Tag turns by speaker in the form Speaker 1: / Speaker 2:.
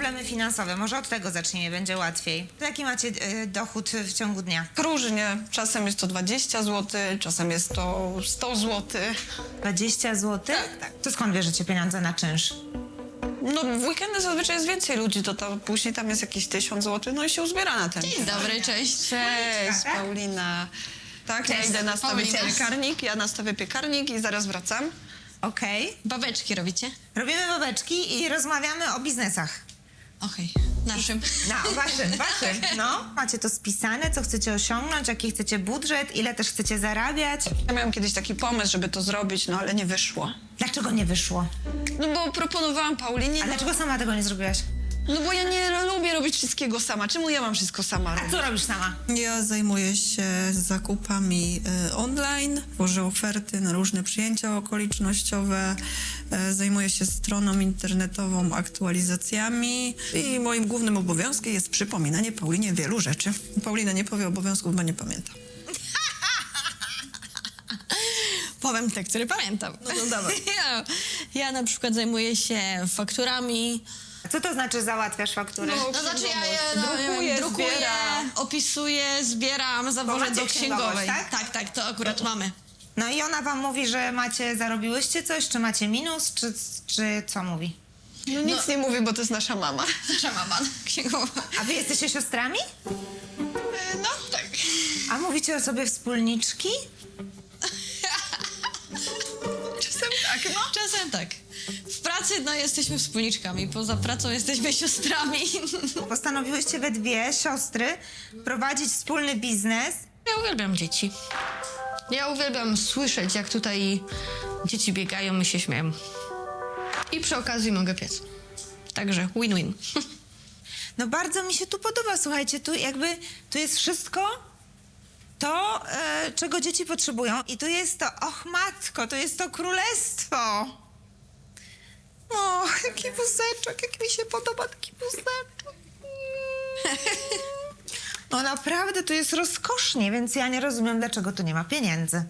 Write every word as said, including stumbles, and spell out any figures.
Speaker 1: problemy finansowe? Może od tego zacznijmy, będzie łatwiej. Jaki macie y, dochód w ciągu dnia?
Speaker 2: Różnie. Czasem jest to dwadzieścia złotych, czasem jest to sto złotych.
Speaker 1: dwadzieścia złotych?
Speaker 2: Tak, tak.
Speaker 1: To skąd bierzecie pieniądze na czynsz?
Speaker 2: No w weekendy zazwyczaj jest więcej ludzi, to, to później tam jest jakieś tysiąc złotych, no i się uzbiera na ten.
Speaker 3: Dzień dobry, cześć.
Speaker 2: Cześć, Paulina. Tak, ja
Speaker 1: Cześć,
Speaker 2: idę nastawić
Speaker 3: Paulina.
Speaker 2: piekarnik, ja nastawię piekarnik i zaraz wracam.
Speaker 1: Okej.
Speaker 3: Babeczki robicie?
Speaker 1: Robimy babeczki i rozmawiamy o biznesach.
Speaker 3: Okej, naszym.
Speaker 1: No, waszym, waszym. No. Macie to spisane, co chcecie osiągnąć, jaki chcecie budżet, ile też chcecie zarabiać.
Speaker 2: Ja miałam kiedyś taki pomysł, żeby to zrobić, no ale nie wyszło.
Speaker 1: Dlaczego nie wyszło?
Speaker 2: No bo proponowałam Paulinie,
Speaker 1: A
Speaker 2: no,
Speaker 1: dlaczego sama tego nie zrobiłaś?
Speaker 2: no bo ja nie lubię robić wszystkiego sama. Czemu ja mam wszystko sama
Speaker 1: A
Speaker 2: robić?
Speaker 1: co robisz sama?
Speaker 4: Ja zajmuję się zakupami e, online, tworzę oferty na różne przyjęcia okolicznościowe, e, zajmuję się stroną internetową, aktualizacjami i moim głównym obowiązkiem jest przypominanie Paulinie wielu rzeczy. Paulina nie powie obowiązków, bo nie pamięta.
Speaker 3: Powiem te, które pamiętam.
Speaker 4: No to dawaj.
Speaker 3: Ja, ja na przykład zajmuję się fakturami.
Speaker 1: A co to znaczy załatwiasz faktury?
Speaker 2: No,
Speaker 3: No znaczy ja je no,
Speaker 2: Drukuję,
Speaker 3: drukuję,
Speaker 2: zbieram.
Speaker 3: opisuję, zbieram,
Speaker 1: Bo
Speaker 3: zawożę
Speaker 1: macie
Speaker 3: do księgowej.
Speaker 1: księgowość, tak?
Speaker 3: tak, tak, to akurat mamy.
Speaker 1: No i ona wam mówi, że macie, zarobiłyście coś, czy macie minus, czy, czy co mówi?
Speaker 2: No nic nie mówię, bo to jest nasza mama.
Speaker 3: Nasza mama, księgowa.
Speaker 1: A wy jesteście siostrami?
Speaker 2: No tak.
Speaker 1: A mówicie o sobie wspólniczki?
Speaker 2: Czasem tak, no.
Speaker 3: Czasem tak. W pracy no, jesteśmy wspólniczkami, poza pracą jesteśmy siostrami.
Speaker 1: Postanowiłyście we dwie siostry prowadzić wspólny biznes.
Speaker 3: Ja uwielbiam dzieci. Ja uwielbiam słyszeć, jak tutaj dzieci biegają i się śmieją. I przy okazji mogę piec. Także win-win.
Speaker 1: No bardzo mi się tu podoba, słuchajcie, tu jakby, tu jest wszystko to, e, czego dzieci potrzebują i tu jest to, och matko, to jest to królestwo. O, jaki wózeczek, jak mi się podoba taki wózeczek. No naprawdę, tu jest rozkosznie, więc ja nie rozumiem, dlaczego tu nie ma pieniędzy.